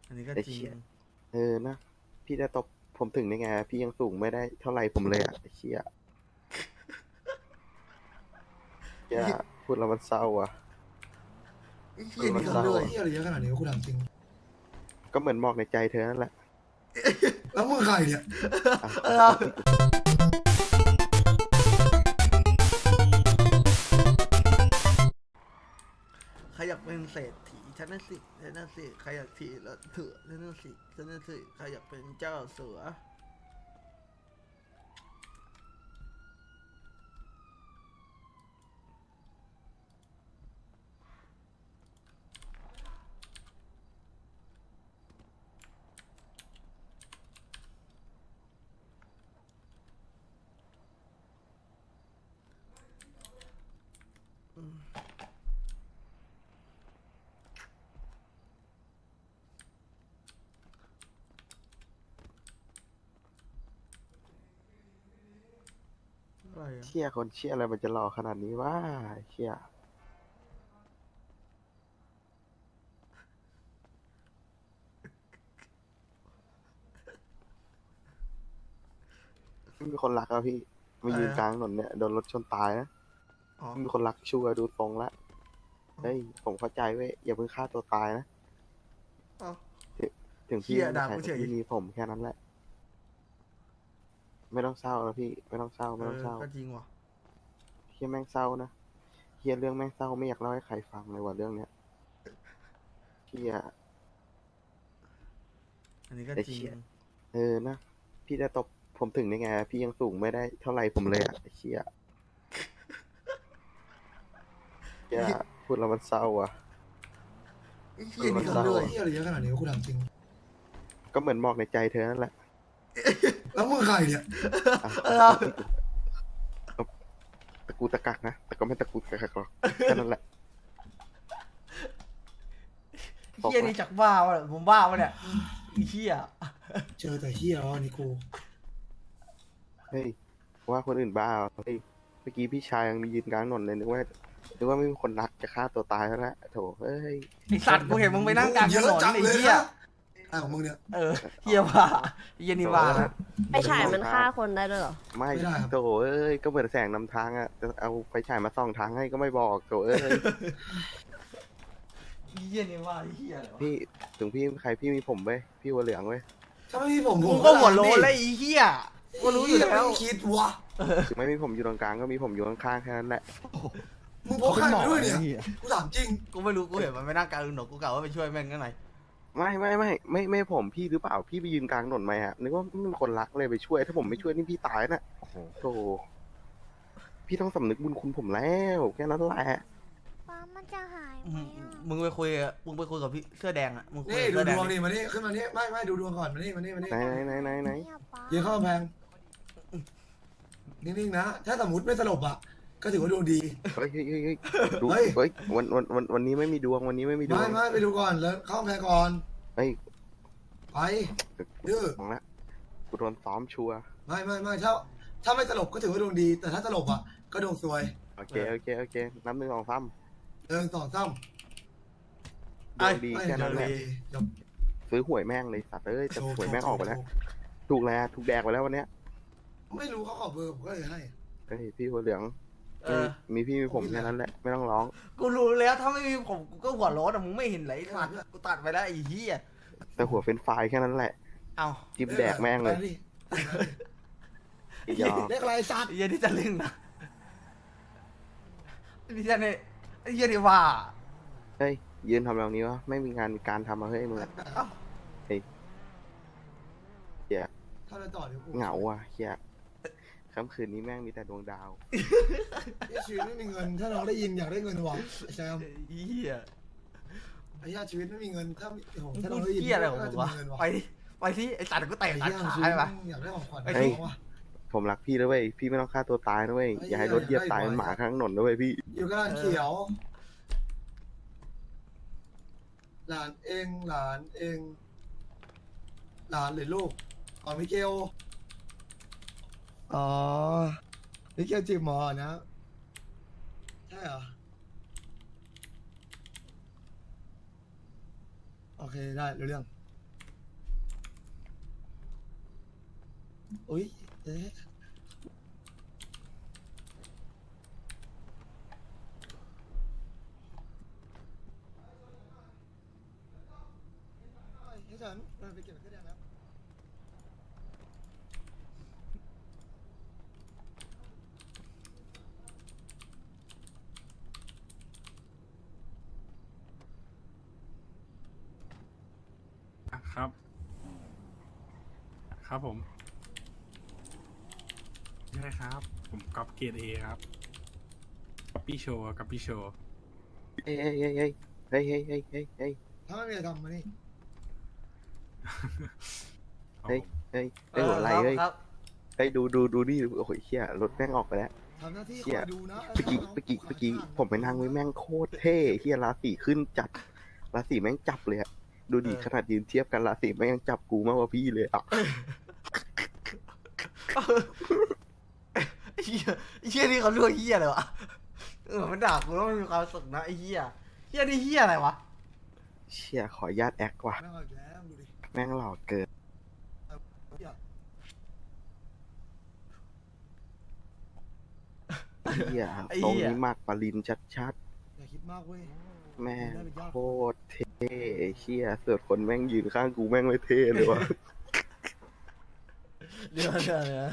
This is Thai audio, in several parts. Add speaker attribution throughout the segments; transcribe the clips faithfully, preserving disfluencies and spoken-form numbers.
Speaker 1: อันนี้ก็
Speaker 2: ไอ้
Speaker 1: จริง
Speaker 2: เชี่ยเออนะพี่จะตบผมถึงได้ไงพี่ยังสูงไม่ได้เท่าไหร่ผมเลยอ่ะไอ้เชี่ยเชี่ยพูดแล้วมันเศร้าอ่ะ
Speaker 1: ไอ้
Speaker 2: พู
Speaker 1: เหี้ย
Speaker 2: ดแล้วมันเศร้า
Speaker 1: นี่ทำด้วย
Speaker 3: เฮียอะไรเยอะขนาดนี้วะกูถามจริง
Speaker 2: ก็เหมือนหมอกในใจเธอนั่นแหละ
Speaker 3: แล้วมึงใครเนี่ย
Speaker 2: อ่ะ
Speaker 1: เออใครอยากเป็นเศรษฐีฉันนั่นสิฉันนั่นสิใครอยากถีแล้วเถื่อฉันนั่นสิฉันนั่นสิใครอยากเป็นเจ้าเสืออะไรอะ
Speaker 2: เชี่ยคนเชี่ยอะไรมันจะหล่อขนาดนี้วะเชี่ยไม่มีคนรักแล้วพี่มายืนกลางถนนเนี่ยโดนรถชนตายนะ
Speaker 1: อ๋อ
Speaker 2: ไม่มีคนรักชัวร์ดูตรงละเฮ้ยผมเข้าใจเว้ยอย่าเพิ่งฆ่าตัวตายนะ
Speaker 1: อ๋อ
Speaker 2: ถึงถึงพี่
Speaker 1: เหี้ย
Speaker 2: ไม่
Speaker 1: ด่า
Speaker 2: ใช่
Speaker 1: กูเฉ
Speaker 2: แต่
Speaker 1: ย
Speaker 2: พี่มีผมแค่นั้นแหละไม่ต้องเศร้าแล้วพี่ไม่ต้องเศร้า
Speaker 1: เอ
Speaker 2: ไม่ต้อง
Speaker 1: อ
Speaker 2: เศร้า
Speaker 1: ก็จริงว่ะ
Speaker 2: เฮียแม่งเศร้านะเฮียเรื่องแม่งเศร้าไม่อยากเล่าให้ใครฟังเลยว่ะเรื่องเนี้ยเฮีย
Speaker 1: อันนี้ก็
Speaker 2: ไอ้
Speaker 1: จริง
Speaker 2: เชี่ยเออนะพี่จะตบผมถึงได้ไงพี่ยังสูงไม่ได้เท่าไหร่ผมเลยอ่ะไอ้เชี่ยเฮียพูดแล้วมันเศร้าอ่ะ
Speaker 1: ไอ้เหี้ยนี่
Speaker 2: เศร้า
Speaker 1: ทำด้วย
Speaker 3: เฮียอะไรเยอะขนาดนี้วะกูถามจริง
Speaker 2: ก็เหมือนหมอกในใจเธอนั่นแหละ
Speaker 3: แล้วมึงใครเนี่ย
Speaker 2: อ่ะ
Speaker 1: เออ
Speaker 2: ตะกูตะกักนะแต่ก็ไม่ตะกูตะกักหรอกแค่นั้นแหละ
Speaker 1: ไอ้เหี้ยนี่จากบ้าวะผมบ้าวะเนี่ยไอ้เหี้ย
Speaker 3: เจอแต่เฮียอ๋อนี่กู
Speaker 2: เฮ้ยว่าคนอื่นบ้าเหรอเฮ้ยเมื่อกี้พี่ชายยังมียืนกลางถนนเลยนึกว่านึกว่าไม่มีคนรักจะฆ่าตัวตายแล้วนะโถเฮ้ย
Speaker 1: ไอสัตว์กูเห็นมึงไปนั่งกลางถ
Speaker 3: เย
Speaker 1: น
Speaker 3: อะ
Speaker 1: น
Speaker 3: จัง
Speaker 1: ไอ้
Speaker 3: เลย
Speaker 1: เหี้ย
Speaker 3: นะไอ้ของมึงเนี่ย
Speaker 1: เออเหี้ยว่าไอ้เหี้ยนี่ว่านะ
Speaker 4: ไปฉายมันฆ่าคนได้ด้วยเหรอ
Speaker 2: ไม่
Speaker 3: ไม่ได้ครับ
Speaker 2: โถเอ้ยก็เหมือนแสงนำทางอ่ะจะเอาไฟฉายมาส่องทางให้ก็ไม่บอกโถเอ้ย
Speaker 1: ไอ้เหี้ยนี่ว่าไอ้เหี้ยอะไรวะ
Speaker 2: พี่ถึงพี่ใครพี่มีผมเว้ยพี่หัวเหลืองเว้ย
Speaker 3: ถ้าไม่มีผมผ
Speaker 1: กู
Speaker 3: ม
Speaker 1: ก็หัวโล้นแล้วไอ้เหี้ยกูรู้อยู่แล้ว
Speaker 3: ไม่คิดวะ
Speaker 2: ถึงไม่มีผมอยู่ตรงกลางก็มีผมอยู่ข้างๆแค่นั้นแหละ
Speaker 3: มึงพกใครมาด้วยเนี่ยกูถามจริง
Speaker 1: กูไม่รู้กูเห็นมันไปนั่งกลางถนนกูกะว่าไปช่วยแม่งข้างใน
Speaker 2: ไม่ไม่ไม่ไม่ไม่ผมพี่หรือเปล่าพี่ไปยืนกลางถนนไหมฮะนึกว่าไม่มีคนรักเลยไปช่วยถ้าผมไม่ช่วยนี่พี่ตายน่ะโธ่พี่ต้องสำนึกบุญคุณผมแล้วแค่นั้นแหละ
Speaker 4: ฟ้ามันจะหายไห
Speaker 1: อื
Speaker 4: ม
Speaker 1: ม
Speaker 4: อ่ะ
Speaker 1: มึงไปคุยกับมึงไปคุยกับพี่เสื้อแดงอ่ะมึงคุย
Speaker 3: นี่
Speaker 1: กับ
Speaker 3: ดู
Speaker 1: เสื้อแด
Speaker 3: ด
Speaker 1: ง
Speaker 3: วง
Speaker 1: ดิ
Speaker 3: นี่มานี่ขึ้นมานี่ไม่ไม่ดูดวงก่อนมานี่มานี่มานี่
Speaker 2: ไหนไหนไหนไหนไหน
Speaker 4: เนี่ยป้า
Speaker 3: ยืนเข้ากำแพงนิ่งๆนะถ้าสมมติไม่สลบอ่ะก็ถือว่าดวงดี
Speaker 2: เฮ้ยเฮ้ยเฮ้ยเฮ้ยดู
Speaker 3: เฮ้ย
Speaker 2: เฮ้ยวันวันวันวันนี้ไม่มีดวงวันนี้ไม่มีดว
Speaker 3: ไม่
Speaker 2: ง
Speaker 3: ไม่ไปดูก่อนแล้วเข้ากำแพงก่อน
Speaker 2: เฮ้ย
Speaker 3: ไป ดื้อ
Speaker 2: มองละกูโดนซ้อมชัวร์
Speaker 3: ไม่ไม่ไม่ถ้าถ้าไม่สลบก็ถือว่าดวงดี แต่ถ้าสลบอ่ะก็ดวงซวย
Speaker 2: โอเคโอเคโอเคนับหนึ่งสองสาม
Speaker 3: เออสองซ้ำ
Speaker 2: ดวงดีแค่นั้นแหละ
Speaker 3: จบ
Speaker 2: ซื้อหวยแม่งเลยสัตว์เอ้ยแต่
Speaker 3: โชว์
Speaker 2: หวยแม่งออกไปแล้ว
Speaker 3: โชว์
Speaker 2: ถูกแล้วถูกแดกไปแล้ววันเนี้ย
Speaker 3: ไม่รู้เขาขอเบอร์ผมก็เลยให้
Speaker 2: เฮ้ยพี่หัวเหลือง
Speaker 1: เออ
Speaker 2: มีพี่มีผมแค่นั้นแหละไม่ต้องร้อง
Speaker 1: กูรู้แล้วถ้าไม่มีผมกูก็หัวโล้นอ่ะมึงไม่เห็นไหลสัตว์กูตัดไปแล้วไอ้เหี้ย
Speaker 2: แต่หัวเป็นไฟล์แค่นั้นแหละ
Speaker 1: เอ้า
Speaker 2: จิ้มแดกแม่งเลย
Speaker 3: ไปดิ
Speaker 2: ไอ้ยอ
Speaker 3: เรียกอะไรสัตว์
Speaker 1: ไอ้เหี้ยนี่จะเล่นนะไอ้เหี้ยนี่ไอ้เหี้ยนี่ว่า
Speaker 2: เฮ้ยยืนทำแบบนี้วะไม่มีงานมีการทำมาเฮ้ยมึงอะ
Speaker 1: เอ้า
Speaker 2: เฮ้ยเฮีย
Speaker 3: ถ้าเราต่อเดี๋ยวกู
Speaker 2: เหงาอ่ะเฮียค่ำคืนนี้แม่งมีแต่ดวงดาว
Speaker 3: พี่ชีวิตไม่มีเงิน ถ้าน้องได้ยินอยากได้เงินหวังไอ้แซม
Speaker 1: ไอ้เหี้ย
Speaker 3: ไอ้ญาติชีวิตไม่มีเงินถ้าโอ้โห
Speaker 1: มึง
Speaker 3: ถ้า
Speaker 1: พู
Speaker 3: น้อ
Speaker 1: ด
Speaker 3: งได้ยิน
Speaker 1: เหี้ยอะไรของ
Speaker 3: น่า
Speaker 1: มึ
Speaker 3: จะ
Speaker 1: งวะ
Speaker 3: มีเงินว่ะ
Speaker 1: ไปดิไปที่ไอ้สัตว์กูเตะ
Speaker 3: ไอ้
Speaker 1: ตัด
Speaker 3: ญาติ
Speaker 1: ขา
Speaker 3: ชีวิต
Speaker 1: ไป
Speaker 3: อยากได้ของขวัญ
Speaker 1: ไอ้
Speaker 3: ให้
Speaker 1: ที่
Speaker 3: น้องว่ะ
Speaker 2: ผมรักพี่นะเว้ยพี่ไม่ต้องฆ่าตัวตายนะเว้ย
Speaker 3: เฮ้ย
Speaker 2: อย่าให้รถเหยียบตาย
Speaker 3: เฮ้ย
Speaker 2: เป็นหมาข้างถนนนะเว้ยพี่
Speaker 3: อยู่กับหลานเขียว หลานเองหลานเอง หลานหรือลูกอ๋อมิเกลอ๋อมิเกลจีบหมอนะ ใช่เหรอ โอเคได้รู้เรื่องอุ้ยเอ๊ะให้ฉันมันไปเก็บเครื่องแดงแล้ว
Speaker 5: ครับ ครับผมใช่ครับ ผมก๊อปเกรดเอครับก๊อปปี้โชว์ก๊อปปี้โชว์
Speaker 2: เฮ้ยเฮ้ยเฮ้ยเฮ้ยเฮ้ยเฮ้ยเฮ้ยเฮ้ยเฮ้ย
Speaker 3: ถ้าไม่มีอะไรทำมานี่
Speaker 2: เฮ้ยเฮ้ยเฮ้ยหัวไหลเฮ้ย
Speaker 1: ครับ
Speaker 2: เฮ้ยดูดูดูดิโอ้โหเชี่ยรถแม่งออกไปแล้ว
Speaker 3: ทำหน้าที่
Speaker 2: เชี่
Speaker 3: คอย ยดูนะ
Speaker 2: เมื่อกี้เมื่อกี้เมื่อกี้ผมไปนั่งไว้แม่งโคตรเท่เฮียราศีขึ้นจัดราศีแม่งจับเลยอะดูดิขนาดยืนเทียบกันราศีแม่งยังจับกูมากกว่าพี่เลยอ่ะ
Speaker 1: ไอ้เหี้ยไอ้เหี้ยนี่เขาเรียกว่าเหี้ยอะไรวะเออมันด่ากูแล้วมันมีความสุขนะไอ้เหี้ยเหี้ยนี่เหี้ยอะไรวะ
Speaker 2: เชี่ยขออนุญาตแอคว่ะ
Speaker 3: แม่งเอาอีกแล้วดูดิ
Speaker 2: แม่งหล่อเกิน
Speaker 3: เหี้ย
Speaker 2: เฮียตรงนี้มากปรินชัด
Speaker 3: อย่าคิดมากเว้ย
Speaker 2: ๆแม่งโคตรเท่เชี่ยเสือคนแม่งยืนข้างกูแม่งไม่เท่เลยวะ
Speaker 1: เดี๋ยวเดี๋ยวเดี๋ยว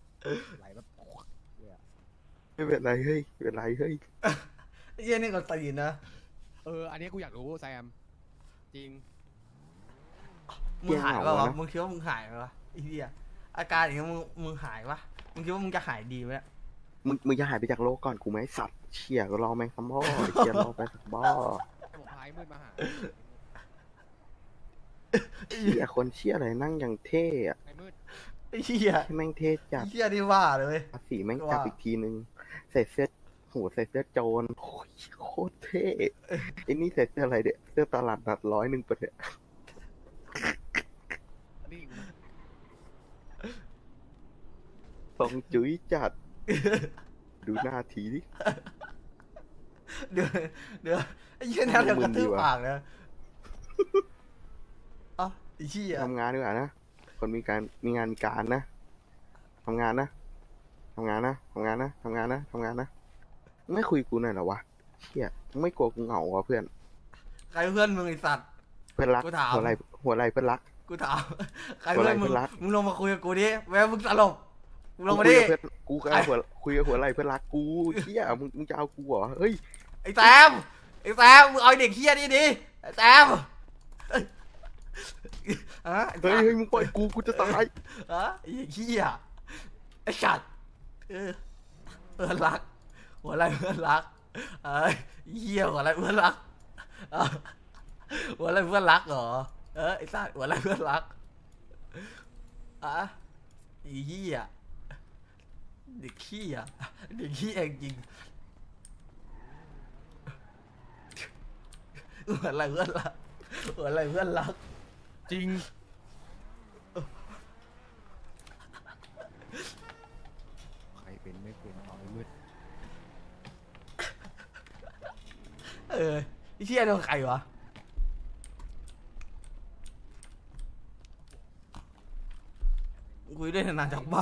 Speaker 2: ไม่เป็นไรเฮ้ยไม่เป็นไรเฮ้ย
Speaker 1: ไอ้เหี้ยนี่ก็ตีนนะ
Speaker 6: เออ อันนี้กูอยากรู้แซม จริง
Speaker 1: มึงหายปะวะมึงคิดว่ามึงหายปะวะไอ้เหี้ยอาการอย่างเงี้ยมึงมึงหายปะมึงคิดว่ามึงจะหายดีไหมเนี่ย
Speaker 2: มึงมึงจะหายไปจากโลกก่อนกูไหมสัตว์เชี่ยก็รอแม่งสัมบ่อเชี่ยรอไปสักบ่อ
Speaker 6: ผมพายมืดมาหา
Speaker 2: เชี่ยคนเชี่ยอะไรนั่งอย่างเท่อะ
Speaker 6: ไอ้มืด
Speaker 1: ไอ้เหี้ย
Speaker 2: ที่แม่งเท่จัด
Speaker 1: ไอ้เหี้ยนี่ว่าเลยเว้ย
Speaker 2: ภาษีแม่งจับอีกทีนึงใส่เสื้อโหใส่เสื้อโจรโอ้ยโคตรเท่ไอ้นี่ใส่เสื้ออะไรเด็กเสื้อตลาดนัดร้อยหนึ่งปะเนี่ย
Speaker 6: อันนี้กู
Speaker 2: ทรงจุ้ยจัด ดูหน้าทีดิ
Speaker 1: เดี๋ยวเดี๋ยวไอ้เหี้ยนี่เดี๋ยวกระทืบปากนะเอ้าไอ้เหี้ย
Speaker 2: ทำงานดีกว่านะคนมีการมีงานมีการนะทำงานนะทำงานนะทำงานนะทำงานนะทำงานนะไม่คุยกูหน่อยเหรอวะเชี่ยไม่กลัวกูเหงาวะเพื่อน
Speaker 1: ใครเพื่อนมึงไอ้สัตว์
Speaker 2: เพื่อนรัก
Speaker 1: กูถาม
Speaker 2: หัวไหลหัวไหลเพื่อนรัก
Speaker 1: กูถามใครเพื่อนมึง
Speaker 2: คนรัก
Speaker 1: มึงลงมาคุยกับกูดิแม้มึงสลบมึงลงมา
Speaker 2: คุ
Speaker 1: ดิ
Speaker 2: ยกับเพื่อนกูก็เอาหัวคุยกับหัวไหลเพื่อนรักกูเชี่ยมึงมึงจะเอากูเหรอเฮ้ย
Speaker 1: ไอ้แซมไอ้แซมมึงเอาไอ้เด็กเหี้ยนี่ดิไอ้แซมฮะไอ้แซ
Speaker 2: เฮ้ย
Speaker 1: ม
Speaker 2: เฮ้ยมึงปล่อยกูกูจะตาย
Speaker 1: ฮะไอ้เหี้ยไอ้สัตว์เออเพื่อนรักหัวอะไรเพื่อนรักเอ้ยเหี้ยหัวอะไรเพื่อนรักเออหัวอะไรเพื่อนรักเหรอเออไอ้สัตว์หัวอะไรเพื่อนรักอะไอ้เหี้ยเด็กขี้อ่ะเด็กขี้เองจริงหัวอะไรเพื่อนรักหัวอะไรเพื่อนรัก
Speaker 6: จริง ใครเป็นไม่เป็นเอาไอ้มืด
Speaker 1: เออไอ้เชี่ยโดนใครวะคุยด้วยนานๆจากบ้า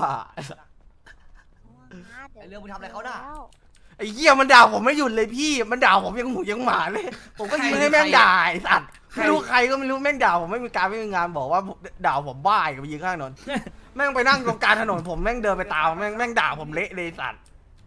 Speaker 4: ไอเรื่องมึงทำอะไรเขาน่ะ
Speaker 1: ไอ้เหี้ยมันด่าผมไม่หยุดเลยพี่ มันด่าผมยังหมูยังหมาเลย ผมก็ยืนให้แม่งด่าไอ้สัตว์ไม่รู้ใครก็ไม่รู้แม่งด่าผมไม่มีการไม่มีงานบอกว่าด่าผมบ้าอีกับไปยืนข้างถนน แม่งไปนั่งตรงกลางถนนผมแม่งเดินไปตามแม่งแม่งด่าผมเละเลยไอ้สัตว์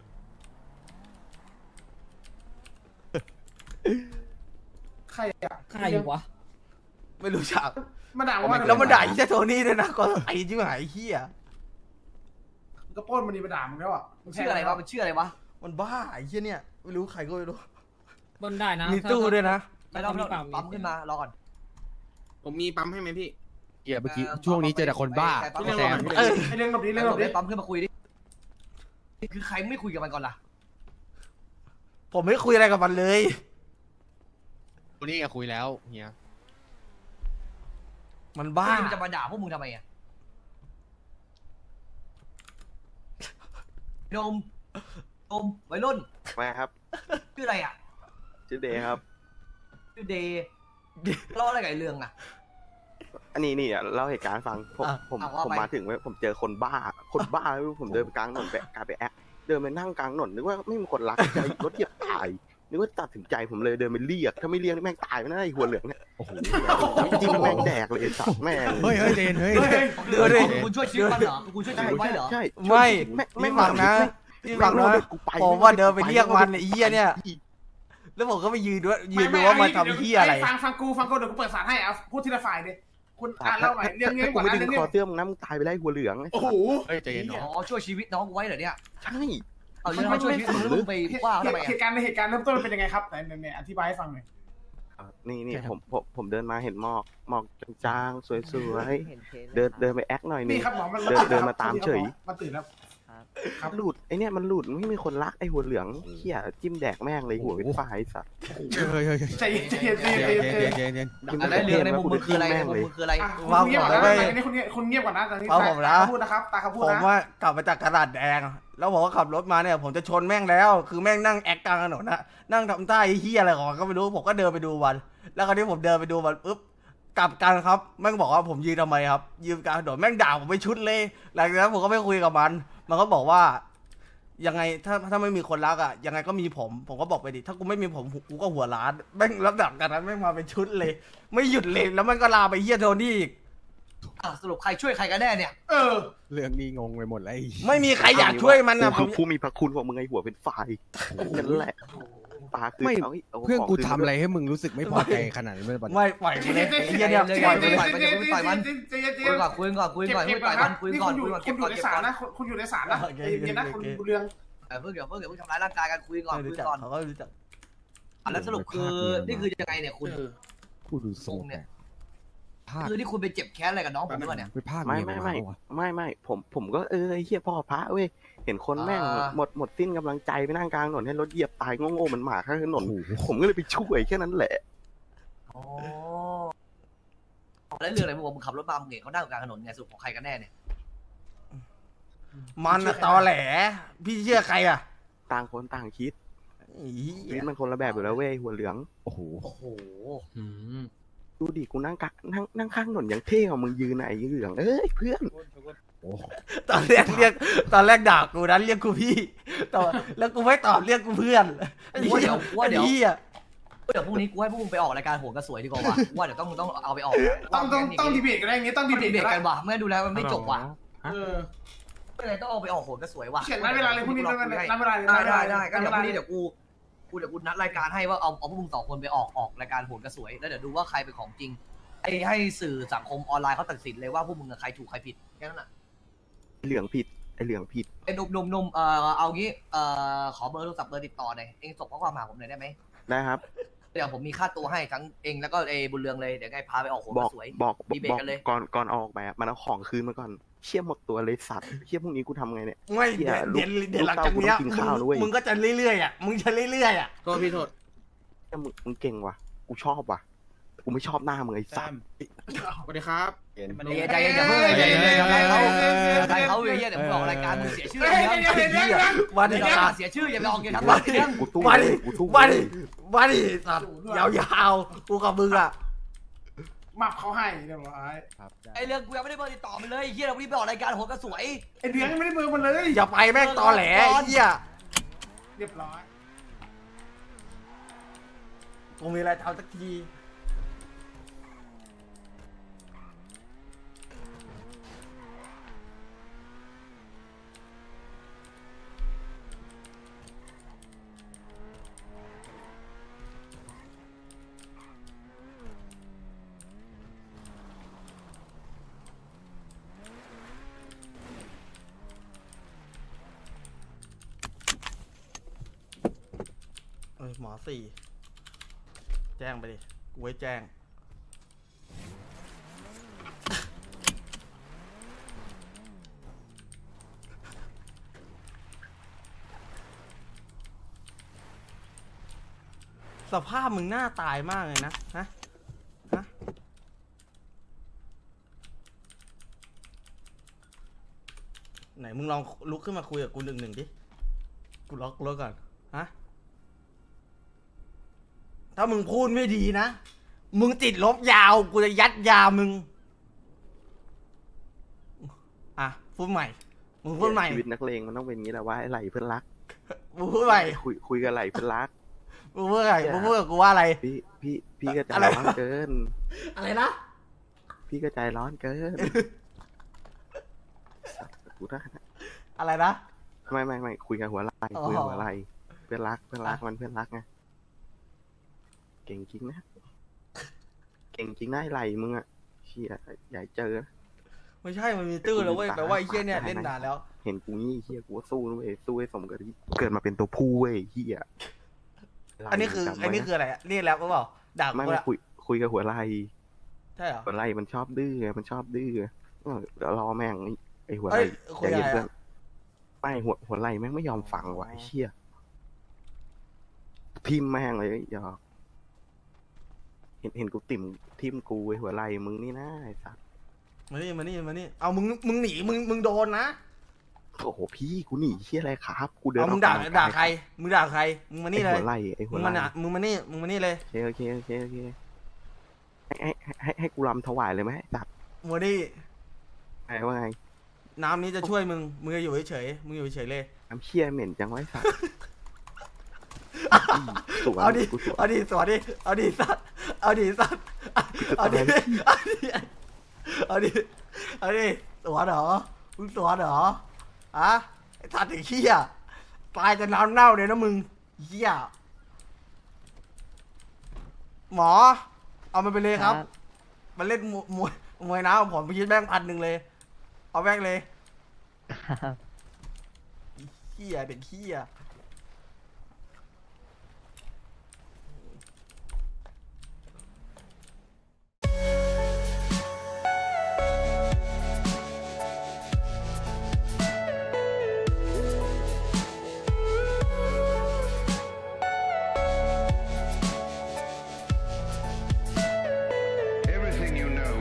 Speaker 7: ใครอ่ะ
Speaker 8: ใครวะ
Speaker 1: ไม่รู้จัก
Speaker 7: มาด่าว่า
Speaker 1: แล้วมันด่าไอ้เจ้าโทนี่ด้วยนะก็ไอ้จิ้มหายไอ้เหี้ย
Speaker 7: มึงก็ปล้นมันนี่มาด่ามึงแล้วอ่ะ
Speaker 8: มันชื่ออะไรวะ มันชื่ออะไรวะ
Speaker 1: มันบ้าไอ้เหี้ยเนี่ยไม่รู้ใครก็ไม่รู้
Speaker 8: บนได้นะ
Speaker 1: มีตู้ด้วยนะ
Speaker 8: ไม่ต้องไม่ต้องปั๊มขึ้นมา รอก่อน
Speaker 5: ผมมีปั๊มให้ไหมพี่
Speaker 6: เกียเมื่อกี้ช่วงนี้เจอแต่คนบ้า
Speaker 8: ใครปั๊ม
Speaker 6: ไอ้แซม
Speaker 1: เออ
Speaker 7: ไอเรื่องแบบนี้
Speaker 8: เรื่
Speaker 7: เรื่
Speaker 8: อ
Speaker 7: อง งแบบนี้
Speaker 8: ปั๊มขึ้นมาคุยดิ คือใครไม่คุยกับมันก่อนล่ะ
Speaker 1: ผมไม่คุยอะไรกับมันเลย
Speaker 6: วันนี้ก็คุยแล้วเฮีย
Speaker 1: มันบ้า
Speaker 8: มันจะมาด่าพวกมึงทำไมอ่ะโดมโดมวัยรุ่น
Speaker 2: มาครับ
Speaker 8: ชื่ออะไรอ่ะ
Speaker 2: ชื่อเดย์ครับ
Speaker 8: ชื่อเดย์ล้ออะไรกับไอ้เรื่องอ่ะ
Speaker 2: อันนี้นี่อ่ะเล่าเหตุการณ์ให้ฟังผม
Speaker 1: อ่ะ
Speaker 2: ผม
Speaker 8: อ่ะว่า
Speaker 2: ผม
Speaker 8: ไป
Speaker 2: มาถึงเว้ยผมเจอคนบ้า คนบ้าไม่รู้ผมเดินไปกลางถนนไปกลายไปแอะเดินไปนั่งกลางถนนนึกว่าไม่มีคนรักใจรถเหยียบตายนึกว่าตัดสินใจผมเลยเดินไปเรียกถ้าไม่เรียกนี่แม่งตายไปนะไอ้หัวเหลืองเนี่ย
Speaker 6: โอ้โห
Speaker 2: จริงๆแม่งแดกเลยไอ้สัตว์แม่ง
Speaker 6: เฮ้ยเฮ้ยเจนเฮ้ย
Speaker 3: เฮ้ย
Speaker 1: เดี๋ยวดิ
Speaker 8: คุณช่วยชีวิตมันเหรอคุณช่วยชีวิตไว้เหรอ
Speaker 2: ใช่
Speaker 1: ไม่
Speaker 2: แม่
Speaker 1: ไม่
Speaker 2: ง
Speaker 1: ฟังนะ
Speaker 2: แม่
Speaker 1: พี่ฟังนะ
Speaker 2: แม่กูไป
Speaker 1: ผมว่าเดินไปเรียกมันไอ้เหี้ยเนี่ย แล้วผมก็ไปยืนด้วยยืนดูว่ามันทำเหี้ยอะไร
Speaker 7: ฟังฟังกูฟังกูเดี๋ยวกูเปิดสารให้เอาพูดทีละฝ่ายดิคุณอ่านเล่าหน่อยเรื่องนี้
Speaker 2: ถ้ากู
Speaker 7: ก่อน
Speaker 2: ไม่
Speaker 7: นะ
Speaker 2: ดึ
Speaker 7: เรื่อง งนี้
Speaker 2: คอเสื้อมึงนะมึงตายไปได้หัวเหลืองไอ้
Speaker 7: โอ้
Speaker 2: สั
Speaker 7: โห
Speaker 2: ตว์
Speaker 6: เฮ้ยใจเย็นเนาะ
Speaker 8: อ๋อช่วยชีวิตน้องกูไว้เหรอเนี่ย
Speaker 2: ใช่
Speaker 8: เอาเรื่องมาช่วยชีวิตมึงแล้วมึงไปว่าทำไม
Speaker 7: เห
Speaker 8: อ่ะ
Speaker 7: ตุการณ์ในเหตุการณ์เริ่มต้นมันเป็นยังไงครับไหนไหนอธิบายให้ฟังหน่อย
Speaker 2: อ่ะนี่นี่ผมผมผมเดินมาเห็นหมอกหมอกจางๆสวยๆเดินเดินไปแอคหน่อยหนึ
Speaker 7: นี่
Speaker 2: ง
Speaker 7: ครับหมอมัน
Speaker 2: เดินเดินมาตามเฉย
Speaker 7: มันตื่นแล้ว ครับ
Speaker 2: หลุดไอเนี่ยมันหลุดไม่มีคนรักไอหัวเหลืองเหี้ยจิ้มแดกแม่งเลยหัวเป็นฝ้ายไอ้สัตว์
Speaker 6: เฮ้ยเฮ้ยเฮ้ย
Speaker 7: ใจเย็นใจเย็นใจ
Speaker 6: เจ
Speaker 7: เย็น
Speaker 6: น
Speaker 7: ใจ
Speaker 6: เจ
Speaker 7: เย็
Speaker 6: น
Speaker 7: น
Speaker 6: เจนเจน
Speaker 8: อะไรเรื่องในมุมมึงคืออะไรในมุมมึงคืออะไร
Speaker 7: อ่ะคุณเงียบก่อนนะอันนี้คุณเงียบคุณเงียบก่อนนะตอนนี้
Speaker 1: ฟังผมนะ
Speaker 7: ตาพูดนะครับตาเขาพูด
Speaker 1: ผม
Speaker 7: นะ
Speaker 1: ว่ากลับมาจากกระดาษแดง แล้วผมก็ขับรถมาเนี่ย ผมจะชนแม่งแล้ว คือแม่งนั่งแอคกลางถนนนะนั่งทำท่าไอ้เหี้ยอะไรของมันก็ไม่รู้ ผมก็เดินไปดูมัน แล้วคราวนี้ผมเดินไปดูมันปุ๊บ กลับกันครับ แม่งบอกว่าผมยืนทำไมครับ ยืนกลางถนนแม่งด่าผมไปชุดเลย หลังจากนั้นผมก็ไม่คุยกับมัน มันก็บอกว่า ยังไงถ้าถ้าไม่มีคนรักอ่ะ ยังไงก็มีผม ผมก็บอกไปดิ ถ้ากูไม่มีผมกูก็หัวล้าน แม่งรับดับกันนั้นแม่งมาเป็นชุดเลย ไม่หยุดเลย แล้วมันก็ลาไปเหี้ยโทนี่อีก
Speaker 8: อ่ะสรุปใครช่วยใครกันแน่เนี่ย
Speaker 7: เออ
Speaker 6: เรื่องนี้งงไปหมดแล้วไอ้
Speaker 1: ไม่มีใครอยากช่วยมันนะ
Speaker 2: กูคือผู้มีพระคุณของมึงไอหัวเป็นฝ้ายนั่นแหละปลาคือ
Speaker 6: ไม่
Speaker 2: เอาเอา
Speaker 6: เพื่อน
Speaker 2: ขง
Speaker 6: กู
Speaker 2: คื
Speaker 6: ทำอะไรให้มึงรู้สึกไม่พอใจขนาดนี้ไม่ได้ปะ
Speaker 1: ไม่ปล่อยกูเลยไอ้เหี้ยเนี่ย
Speaker 8: เลย
Speaker 1: ปล่อยกู
Speaker 8: เลย
Speaker 1: เลย
Speaker 8: ไปเดี๋ยวมึงต่อยมัน
Speaker 7: ใจเย็นใจ
Speaker 8: คุ
Speaker 7: เย็
Speaker 8: ย
Speaker 7: น
Speaker 8: ก่อนคุยก่อนคุยก่อนคุยต่อยมันคุย
Speaker 7: นี่
Speaker 8: ก่อ
Speaker 7: คุ
Speaker 8: น
Speaker 7: ณอยู่
Speaker 8: คุยก่อน
Speaker 7: คุ
Speaker 8: เก็
Speaker 7: ณ
Speaker 8: บ
Speaker 7: อยู่
Speaker 8: ก่อน
Speaker 7: ใน
Speaker 8: เก็บ
Speaker 7: ศาล
Speaker 8: ก่อน
Speaker 7: นะคุณคุณอยู่ในศาลนะใจเย็นนะคุณคุณเรือง
Speaker 8: เออเพิ่งเดี๋ยวเพิ่งเดี๋ยวเพิ่งทำร้ายร่างกายกันคุยก่อน
Speaker 1: ไม่
Speaker 8: คุ
Speaker 1: รู้
Speaker 8: ย
Speaker 1: จัก
Speaker 8: ก่อน
Speaker 1: เขาก็รู้จัก
Speaker 8: อ่ะแล้วสรุปคือนี่คือยังไงเนี่ยคุณ
Speaker 6: กูดูทรงเนี่ยภาค
Speaker 8: คือที่คุณไปเจ็บแค้นอะไรกับน้องผมหรือเปล่าเนี่ย
Speaker 6: ไปภาค
Speaker 2: ไม่
Speaker 6: เมีย
Speaker 2: ไม่
Speaker 6: น
Speaker 2: ไม่
Speaker 6: วะ
Speaker 2: ไม่ไม่ผมผมก็เออไอเหี้ยพ่อพระเว้ยเห็นคนแม่ง
Speaker 8: อ่า
Speaker 2: หมดหมดสิ้นกำลังใจไปนั่งกลางถนนให้รถเหยียบตายโง่ๆเหมือนหมาข้างถนน
Speaker 6: โอ้โห
Speaker 2: ผมก็เลยไปช่วยแค่นั้นแหละ
Speaker 8: อ๋อแล้วเรื่องอะไรมึงบอกมึงขับรถมามึงเห็นเขานั่งอยู่กลางถนนไงสรุปของใครกันแน่เนี่ย
Speaker 1: มันน่ะตอแหล พี่เชื่อใครอ่ะ
Speaker 2: ต่างคนต่างคิด
Speaker 1: อี
Speaker 2: ชีวิตมันคนละแบบอยู่แล้วเว้ยหัวเหลือง
Speaker 6: โอ้โห
Speaker 8: โอ้โห
Speaker 6: อืม
Speaker 2: ดูดิกูนั่งกะนั่งนั่งข้างถนนอย่างเท่ของมึงยืนไหนเหลืองเอ้ยเพื่อน
Speaker 6: โอ้
Speaker 1: ตอนแรกเรียกตอนแรกด่ากูนั้นเรียกกูพี่ต่อแล้วกูไม่ตอบเรียกกูเพื่อนไอ้
Speaker 8: ว่า
Speaker 1: เหี้
Speaker 8: เดี๋
Speaker 1: ย
Speaker 8: ยวว่าเดี๋ยว
Speaker 1: ไอ้เหี้ย
Speaker 8: เดี๋ยวพรุ่งนี้กูให้พวกมึงไปออกรายการโหนกระสวยดีกว่าว่ะว่าเดี๋ยวต้องต้องเอาไปออก
Speaker 7: ต้องต้องต้องดีเบตกันได้อย่างงี้ต้อง
Speaker 8: ดี
Speaker 7: ดีเบต
Speaker 8: เบต
Speaker 7: กั
Speaker 8: กัน นว่ะไม่งั้นดูแล้วมันไม่จบว่ะ
Speaker 7: เออ
Speaker 8: ไม่เลยต้องเอาไปออกโหนกระสวยว่ะ
Speaker 7: เขียนนัดเวลาเลยพรุ่งนี้นัดเวลานัดเวลาเลย
Speaker 8: ได้ได้ได้ก็
Speaker 7: นั
Speaker 8: เดี๋ยวพ
Speaker 7: เวลา
Speaker 8: รุ่งนี้เดี๋ยวกูกูเดี๋ยวกูนัดรายการให้ว่าเอาเอาพวกมึงสองคนไปออกออกรายการโหนกระสวยแล้วเดี๋ยวดูว่าใครเป็นของจริงไอ้ให้สื่อสังคมออนไลน์เขาตัดสินเลยว่าพวกมึงใครถูกใครผิดแค่นั้นน่ะ
Speaker 2: เหลืองผิดไอเหลืองผิด
Speaker 8: ไอ้หนุ่มหนุ่มหนุ่มเอ่อเอางี้เอ่อขอเบอร์โทรศัพท์เบอร์ติดต่อหน่อยเองส่งข้อความมาหาผมหน่อยได้ไหม
Speaker 2: นะครับ
Speaker 8: เดี๋ยวผมมีค่าตัวให้ทั้งเองแล้วก็ไอ้บุญเรืองเลยเดี๋ยวไงพาไปออกโหน
Speaker 2: บ
Speaker 8: ก
Speaker 2: อก
Speaker 8: ระสวย
Speaker 2: บอก
Speaker 8: ดีเบต
Speaker 2: บอก
Speaker 8: กันเลย
Speaker 2: ก่อนก่อนออกไปอะมันเอาของคืนมาก่อนเชี่ยหมดตัวเลยสัตว์เชี่ยพรุ่งนี้กูทำไงเนี่ย
Speaker 1: ไม่
Speaker 2: เหี้ย
Speaker 1: เดี๋ยว
Speaker 2: ลูก
Speaker 1: เดี๋ยวเดี๋ยวหลังจากเนี้ย
Speaker 2: ลูกเต้ากูต้องกินข้าวด้วย
Speaker 1: มึงมึงก็จะเรื่อยๆอ่ะมึงจะเรื่อยๆอ่ะ
Speaker 5: โทษพี่โทษ
Speaker 2: เชี่ยมึงมึงเก่งว่ะกูชอบว่ะกูไม่ชอบหน้ามึงไอ้สัตว์
Speaker 5: สวัสดีครับ
Speaker 8: ใจเย็นใจเย็นอย่าเพิ่งใจเย็นเลยใจเขาใจเขาเฮียเดี๋ยวมึงออกรายการมึงเสียชื่อ
Speaker 7: เฮ้ย
Speaker 8: เดี๋ยว
Speaker 7: เดี๋ยวเดี๋ยวเดี๋ยวเดี๋ยว
Speaker 1: วัน
Speaker 8: เดี๋
Speaker 1: นี้
Speaker 8: ยว
Speaker 1: สัตว์
Speaker 8: เสียชื่ออย่าไปออกอย่าทำ
Speaker 1: วั
Speaker 8: ร้าน ย
Speaker 1: นี้
Speaker 8: เรื่อง
Speaker 2: กูตู้
Speaker 1: วัน
Speaker 2: เล
Speaker 1: นี้
Speaker 2: ยกูตู้
Speaker 1: วัน
Speaker 2: เล
Speaker 1: นี้
Speaker 2: ย
Speaker 1: วันนี้สัตว์ยาวๆกูกับมึงอ่ะ
Speaker 7: หมับเขาให้เรียบร้อย
Speaker 6: ครับได้
Speaker 8: ไอเรื่องกูยังไม่ได้เบอร์ติดต่อมันเลยเฮียเราวันนี้ไปออกรายการโหนกระสวย
Speaker 7: ไอเดือนไม่ได้เบอร์มันเลย
Speaker 1: อย่าไปแม่งตอแหลไอ้เหี้ย
Speaker 7: เรียบร้อย
Speaker 1: กูมีอะไรทำสักที เอ้ยหมอสี่ แจ้งไปดิ กูไว้แจ้ง สภาพมึงหน้าตายมากเลยนะ ฮะ ฮะ ไหนมึงลองลุกขึ้นมาคุยกับกูหนึ่งหนึ่งดิ กูล็อกรถก่อน ฮะ ถ้ามึงพูดไม่ดีนะ มึงติดลบยาว กูจะยัดยามึงพูดใหม่มึงพูดใหม่
Speaker 2: ชีวิตนักเลงมันต้องเป็นอย่างนี้แหละว่าไอ้ไหลเพื่อนรัก
Speaker 1: มึงพูดใหม่
Speaker 2: คุยคุยกับไหลเพื่อนรัก
Speaker 1: มึงพูดไงมึงพูดกับกูว่าอะไร
Speaker 2: พี่พี่พี่ก็ใจ
Speaker 1: อะไร
Speaker 2: ร้อนเกิน
Speaker 1: อะไรนะ
Speaker 2: พี่ก็ใจร้อนเกินกูได้นะ
Speaker 1: อะไรนะ
Speaker 2: ไม่ไม่ไม่คุยกับหัวไหล
Speaker 1: อ๋อ
Speaker 2: คุยกับหัวไหลเพื่อนรักเพื่อนรักมันเพื่อนรักไงเก่งจริงนะเก่งจริงนะไอ้ไหลมึงอะเชี่ยอย่าให้เจอนะ
Speaker 1: ไม่ใช่มันมีตื้อแล้วเว้ยแปลว่าไอ้เหี้ยเนี่ยเล่นนานแล้ว
Speaker 2: เห็นกูนี่เฮียกูก็สู้นะเว้ยสู้ให้สมกับที่เกิดมาเป็นตัวผู้เว้ยเฮีย
Speaker 1: อันนี้คือ
Speaker 2: จำไว้
Speaker 1: อันนี้คืออะไรอะนี่แรปหรือเปล่าด่า
Speaker 2: ไม่
Speaker 1: กู
Speaker 2: ไม่
Speaker 1: ละ
Speaker 2: คุยคุยกับหัวไหล
Speaker 1: ใช่เหรอ
Speaker 2: หัวไหลมันชอบดื้อไงมันชอบดื้อเออเดี๋ยวรอแม่งไอ้ไอ้หัวไหล
Speaker 1: เอ้ยคุ
Speaker 2: ใจ
Speaker 1: ยอะไร
Speaker 2: เย็นเพื่อน
Speaker 1: อะ
Speaker 2: ไม่หัวหัวไหลแม่งไม่ยอมฟังว่ะไอ้เชี่ยทิมแม่งเลยหยอกเห็นเห็นกูติ่มทิมกูไอ้หัวไหลมึงนี่นะไอ้สัส
Speaker 1: มานี่มานี่มานี่เอามึงมึงหนีมึงมึงโดนนะ
Speaker 2: โอ้โหพี่กูหนีเชี่ยอะไรครับกูเดิน
Speaker 1: เอามึง
Speaker 2: อ
Speaker 1: ด่า
Speaker 2: อกกำลังกย
Speaker 1: ด่าใครมึงด่าใครมึงมา
Speaker 2: ไอ้
Speaker 1: นี่เลย
Speaker 2: หัวไหลไอ้หั
Speaker 1: มึ
Speaker 2: ว
Speaker 1: ง
Speaker 2: ไหล
Speaker 1: มาน่ะมึงมานี่มึงมานี่เลย
Speaker 2: โอเคโอเคโอเคโอเคให้ให้ให้ให้กูรำถวายเลยไหมไอ้สัส
Speaker 1: มานี่
Speaker 2: ไงว่าไง
Speaker 1: น้ำนี้จะช่วยมึงมึงจะอยู่เฉยๆมึงอยู่เฉยๆเลย
Speaker 2: น้ำเชี่ยเหม็นจังไวะไอ้สัสสวน
Speaker 1: เอาดิ
Speaker 2: กูสวน
Speaker 1: เอาดิสวัสดิเอาดิสัตว์เอาดิสัตว์เอาดิ
Speaker 2: จะตาย
Speaker 1: เอาดิเอาดิเอาดิสวนเหรอมึงสวนเหรออะไอ้สัตว์ไอ้เหี้ยตายจะน้ำเน่าเลยนะมึงเหี้ยหมอ เอามันไปเลยครับ มันเล่นมวยมวยมวยน้ำผมไปคิดแบงค์พันหนึ่งเลย เอาแบงค์เลยเหี้ยเด็กเหี้ย
Speaker 9: Everything you know